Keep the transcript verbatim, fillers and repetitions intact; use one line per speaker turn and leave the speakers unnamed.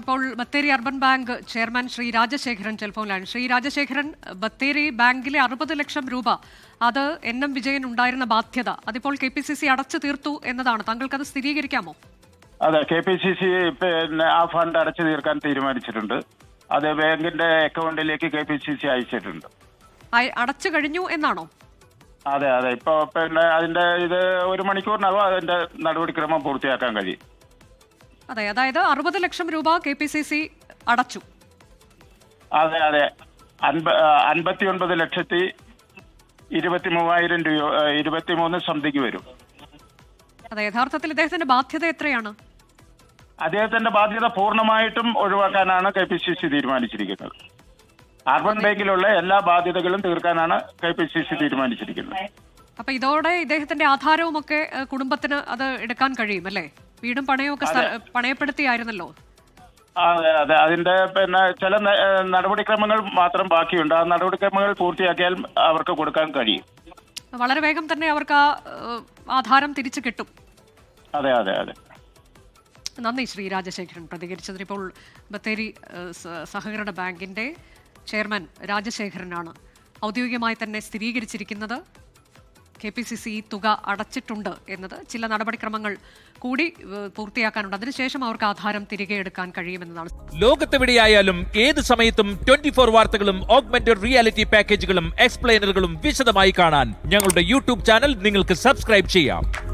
ഇപ്പോൾ Bathery urban bank chairman Shri Rajasekharan ടെലിഫോണിലാണ്. ശ്രീ രാജശേഖരൻ, ബത്തേരി ബാങ്കിലെ അറുപത് ലക്ഷം രൂപ അത് എൻ എം വിജയൻ ഉണ്ടായിരുന്ന ബാധ്യത അതിപ്പോൾ കെ പി സി സി അടച്ചു തീർത്തു എന്നതാണ്. താങ്കൾക്കത് സ്ഥിരീകരിക്കാമോ?
അതെ, കെ പി സി സി പിന്നെ ആ ഫണ്ട് അടച്ചു തീർക്കാൻ തീരുമാനിച്ചിട്ടുണ്ട്. അത് ബാങ്കിന്റെ അക്കൗണ്ടിലേക്ക് കെ പി സി സി അയച്ചിട്ടുണ്ട്.
അടച്ചു കഴിഞ്ഞു എന്നാണോ?
അതെ അതെ ഇപ്പൊ പിന്നെ അതിന്റെ ഇത് ഒരു മണിക്കൂറിനകം അതിന്റെ നടപടിക്രമം പൂർത്തിയാക്കാൻ കഴിയും.
അതെ, അതായത് അറുപത് ലക്ഷം രൂപ കെ പി സി സി അടച്ചു.
അതെ അതെ അൻപ അൻപത്തി ഒൻപത് ലക്ഷത്തി ഇരുപത്തി മൂവായിരം രൂപ ഇരുപത്തി മൂന്ന് സംതിങ് വരും.
അതെ, യഥാർത്ഥത്തിൽ ഇദ്ദേഹത്തിന്റെ ബാധ്യത എത്രയാണ്?
അദ്ദേഹത്തിന്റെ ബാധ്യത പൂർണ്ണമായിട്ടും ഒഴിവാക്കാനാണ് കെ പി സി സി തീരുമാനിച്ചിരിക്കുന്നത്. അർബൻ ബാങ്കിലുള്ള എല്ലാ ബാധ്യതകളും തീർക്കാനാണ് കെ പി സി സി തീരുമാനിച്ചിരിക്കുന്നത്.
അപ്പൊ ഇതോടെ ഇദ്ദേഹത്തിന്റെ ആധാരവും ഒക്കെ കുടുംബത്തിന് അത് എടുക്കാൻ കഴിയും അല്ലേ? വീടും പണയവും ഒക്കെ പണയപ്പെടുത്തിയായിരുന്നല്ലോ.
അതെ അതെ അതിന്റെ പിന്നെ ചില നടപടിക്രമങ്ങൾ മാത്രം ബാക്കിയുണ്ട്. ആ നടപടിക്രമങ്ങൾ പൂർത്തിയാക്കിയാൽ അവർക്ക് കൊടുക്കാൻ കഴിയും.
വളരെ വേഗം തന്നെ അവർക്ക് ആ ആധാരം തിരിച്ചു കിട്ടും.
അതെ അതെ അതെ
നന്ദി ശ്രീ രാജശേഖരൻ പ്രതികരിച്ചതിന്. ഇപ്പോൾ ബത്തേരി സഹകരണ ബാങ്കിന്റെ ചെയർമാൻ രാജശേഖരനാണ് ഔദ്യോഗികമായി തന്നെ സ്ഥിരീകരിച്ചിരിക്കുന്നത്. കെ പി സി സി തുക അടച്ചിട്ടുണ്ട് എന്നത്. ചില നടപടിക്രമങ്ങൾ കൂടി പൂർത്തിയാക്കാനുണ്ട്. അതിനുശേഷം അവർക്ക് ആധാരം തിരികെ എടുക്കാൻ കഴിയുമെന്നതാണ്.
ലോകത്തെവിടെയായാലും ഏത് സമയത്തും ട്വന്റി ഫോർ വാർത്തകളും ഓഗ്മെന്റഡ് റിയാലിറ്റി പാക്കേജുകളും എക്സ്പ്ലെയിനറുകളും വിശദമായി കാണാൻ ഞങ്ങളുടെ യൂട്യൂബ് ചാനൽ നിങ്ങൾക്ക് സബ്സ്ക്രൈബ് ചെയ്യാം.